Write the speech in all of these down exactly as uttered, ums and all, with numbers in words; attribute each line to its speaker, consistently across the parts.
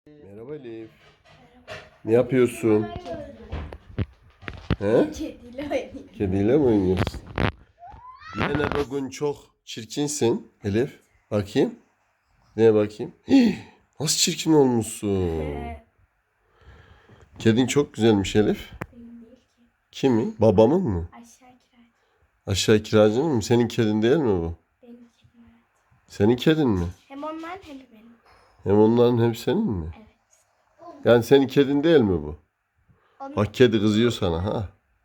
Speaker 1: Merhaba Elif. Ne yapıyorsun? He?
Speaker 2: Kediyle oynuyor.
Speaker 1: Kediyle mi oynuyorsun? Yine bugün çok çirkinsin Elif. Bakayım. Neye bakayım? Hii, nasıl çirkin olmuşsun? Kedin çok güzelmiş Elif.
Speaker 2: Benim değil ki.
Speaker 1: Kimin? Babamın mı?
Speaker 2: Aşağı kiray.
Speaker 1: Aşağı kiracının mı? Senin kedin değil mi bu?
Speaker 2: Benim kedim evet.
Speaker 1: Senin kedin mi?
Speaker 2: Hem onların hem de benim.
Speaker 1: Hem onların hem senin mi?
Speaker 2: Evet.
Speaker 1: Yani senin kedin değil mi bu?
Speaker 2: Onun...
Speaker 1: Bak kedi kızıyor sana ha.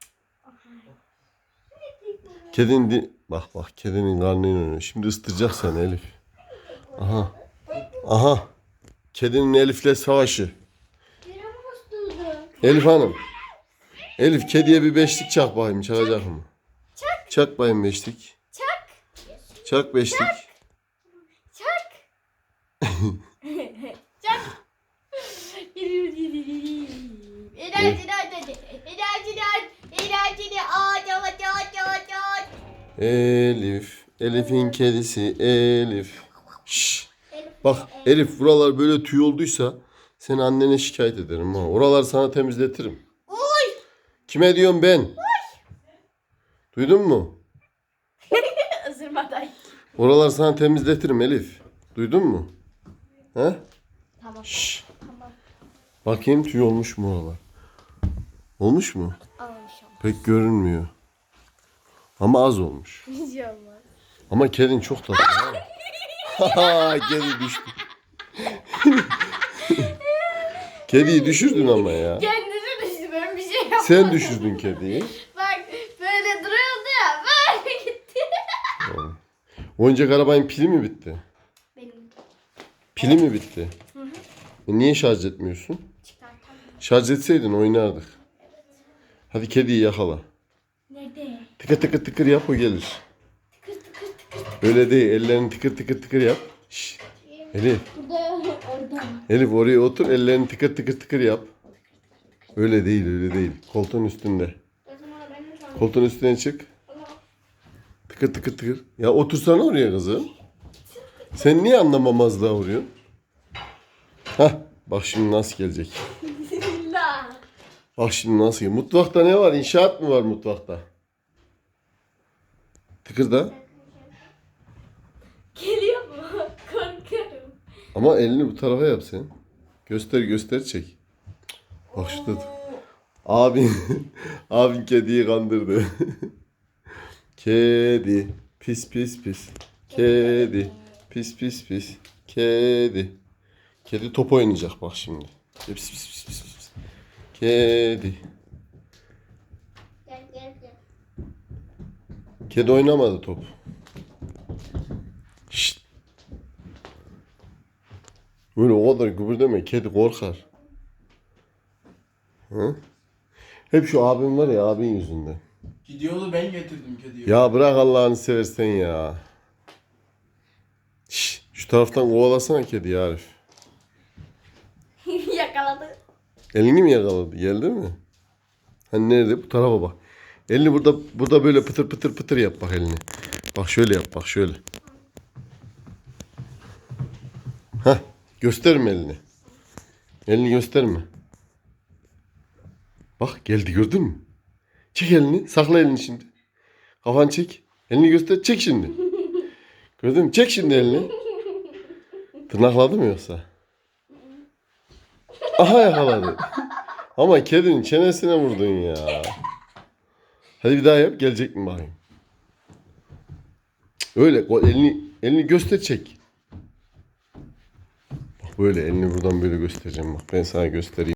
Speaker 1: Kedin di... Bak bak kedinin karnıyla oynuyor. Şimdi ısıtacak seni Elif. Aha. Aha. Kedinin Elif'le savaşı. Elif Hanım. Elif kediye bir beşlik çak bakayım. Çakacak mı?
Speaker 2: Çak.
Speaker 1: Çak bakayım beşlik.
Speaker 2: Çak.
Speaker 1: Çak beşlik.
Speaker 2: Çak. Çak. Enerjini aç hadi. Enerjini aç. Enerjini aç. Aç aç aç aç.
Speaker 1: Elif. Elif'in kedisi Elif. Şşş. Bak Elif buralar böyle tüy olduysa seni annene şikayet ederim ha. Oralar sana temizletirim.
Speaker 2: Oy.
Speaker 1: Kime diyorum ben? Oy. Duydun mu?
Speaker 2: Isırmadan.
Speaker 1: Oralar sana temizletirim Elif. Duydun mu? He?
Speaker 2: Tamam.
Speaker 1: Şşş.
Speaker 2: Tamam.
Speaker 1: Bakayım tüy olmuş mu oralar? Olmuş mu?
Speaker 2: Almış ama.
Speaker 1: Pek görünmüyor. Ama az olmuş.
Speaker 2: Hiç olmaz.
Speaker 1: Ama kedin çok tatlı. Ha, kedi düştü. Kediyi düşürdün ama ya.
Speaker 2: Kendisi düştü, ben bir şey yapmadım.
Speaker 1: Sen düşürdün kediyi.
Speaker 2: Bak böyle duruyordu ya, böyle gitti.
Speaker 1: Oyuncak arabanın pili mi bitti?
Speaker 2: Benim
Speaker 1: Pili mi bitti?
Speaker 2: Hı hı.
Speaker 1: E niye şarj etmiyorsun?
Speaker 2: çıkartamıyorum.
Speaker 1: Şarj etseydin oynardık. Hadi kediyi yakala.
Speaker 2: Nerede?
Speaker 1: Tıkır tıkır tıkır yap o gelir.
Speaker 2: Tıkır tıkır tıkır.
Speaker 1: Öyle değil. Ellerini tıkır tıkır tıkır yap. Şşş. Elif.
Speaker 2: Burada, orada.
Speaker 1: Elif oraya otur. Ellerini tıkır tıkır tıkır yap. Öyle değil öyle değil. Koltuğun üstünde.
Speaker 2: O zaman ben de sana...
Speaker 1: Koltuğun üstüne çık. Tıkır tıkır tıkır. Ya otursana oraya kızım. Sen niye anlamamazlığa vuruyorsun? Hah. Bak şimdi nasıl gelecek.
Speaker 2: Bismillah.
Speaker 1: Bak şimdi nasıl gelecek. Mutfakta ne var? İnşaat mı var mutfakta? Tıkır da.
Speaker 2: Geliyor mu? Korkuyorum.
Speaker 1: Ama elini bu tarafa yap sen. Göster göster çek. Bak şurada. Abin, abin kediyi kandırdı. Kedi. Pis pis pis. Kedi. Pis pis pis. Kedi. Kedi top oynayacak bak şimdi. Pis pis pis pis pis. Kedi.
Speaker 2: Gel gel gel.
Speaker 1: Kedi oynamadı top. Şşt. Böyle o kadar gübürdeme. Kedi korkar. Hı? Hep şu abim var ya abin yüzünden.
Speaker 3: Gidiyordu ben getirdim kediyi.
Speaker 1: Ya bırak Allah'ını seversen ya. Şş, şu taraftan kovalasana kediyi Arif.
Speaker 2: Yakaladı.
Speaker 1: Elini mi yakaladı? Geldi mi? Hani nerede? Bu tarafa bak. Elini burada burada böyle pıtır pıtır pıtır yap bak elini. Bak şöyle yap bak şöyle. Hah gösterme elini. Elini gösterme. Bak geldi gördün mü? Çek elini. Sakla elini şimdi. Kafanı çek. Elini göster. Çek şimdi. Gördün mü? Çek şimdi elini. Tırnakladı mı yoksa? Aha yakaladı. Ama kedinin çenesine vurdun ya. Hadi bir daha yap. Gelecek mi bakayım? Öyle. Elini, elini göster çek. Bak böyle elini buradan böyle göstereceğim. Bak ben sana göstereyim.